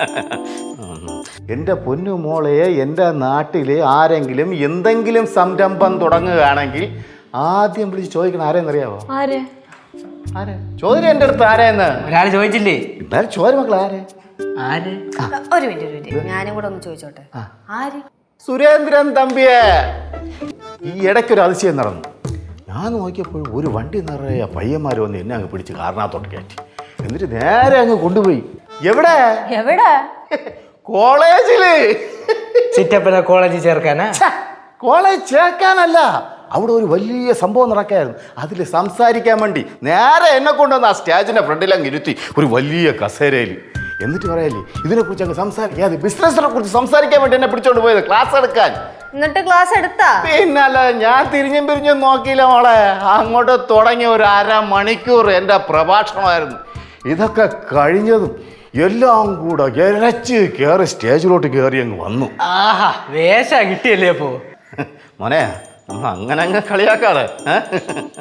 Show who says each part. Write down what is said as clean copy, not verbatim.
Speaker 1: എൻ്റെ പൊന്നു മോളെ, എൻ്റെ നാട്ടിൽ ആരെങ്കിലും എന്തെങ്കിലും സംരംഭം തുടങ്ങുകയാണെങ്കിൽ ആദ്യം വിളിച്ച് ചോദിക്കണം ആരെന്നറിയാവോ?
Speaker 2: ആരെ
Speaker 1: ചോദ്യം എൻ്റെ അടുത്ത് ആരെയെന്ന്
Speaker 3: ഒരാൾ ചോദിച്ചില്ലേ?
Speaker 1: എന്നാലും ചോര മക്കൾ ആരെ?
Speaker 3: ആര്?
Speaker 2: ഒരു മിനിറ്റ് ഞാനും കൂടെ ഒന്ന് ചോദിച്ചോട്ടെ. ആര്?
Speaker 1: സുരേന്ദ്രൻ തമ്പിയെ. ഈ ഇടയ്ക്കൊരു അതിശയം നടന്നു. ഞാൻ നോക്കിയപ്പോൾ ഒരു വണ്ടി നിറയെ പയ്യന്മാർ വന്ന് എന്നെ അങ്ങ് പിടിച്ച് കാറിനകത്തോട്ട് കയറ്റി. എന്നിട്ട് നേരെ അങ്ങ് കൊണ്ടുപോയി. എവിടെ? കോളേജില്.
Speaker 3: ചിറ്റപ്പനെ കോളേജിൽ ചേർക്കാനാ?
Speaker 1: കോളേജ് ചേർക്കാനല്ല, അവിടെ ഒരു വലിയ സംഭവം നടക്കായിരുന്നു. അതിൽ സംസാരിക്കാൻ വേണ്ടി നേരെ എന്നെ കൊണ്ടുവന്ന് ആ സ്റ്റേജിന്റെ ഫ്രണ്ടിൽ അങ്ങ് ഇരുത്തി ഒരു വലിയ കസേരയിൽ. എന്നിട്ട് പറയല്ലേ ഇതിനെക്കുറിച്ച് അങ്ങ് സംസാരിക്കാം, ബിസിനസിനെ കുറിച്ച് സംസാരിക്കാൻ വേണ്ടി എന്നെ പിടിച്ചോണ്ട് പോയത് ക്ലാസ് എടുക്കാൻ.
Speaker 2: എന്നിട്ട് ക്ലാസ് എടുത്താ?
Speaker 1: പിന്നല്ല, ഞാൻ തിരിഞ്ഞും പിരിഞ്ഞും നോക്കിയില്ല മോളെ. അങ്ങോട്ട് തുടങ്ങിയ ഒരു അരമണിക്കൂർ എൻ്റെ പ്രഭാഷണമായിരുന്നു. ഇതൊക്കെ കഴിഞ്ഞതും എല്ലാം കൂടെ ഇരച്ച് കയറി സ്റ്റേജിലോട്ട് കയറി അങ്ങ് വന്നു.
Speaker 3: ആഹാ, വേഷ കിട്ടിയല്ലേ അപ്പോ?
Speaker 1: മോനെ, അങ്ങനെ അങ്ങ് കളിയാക്കാതെ.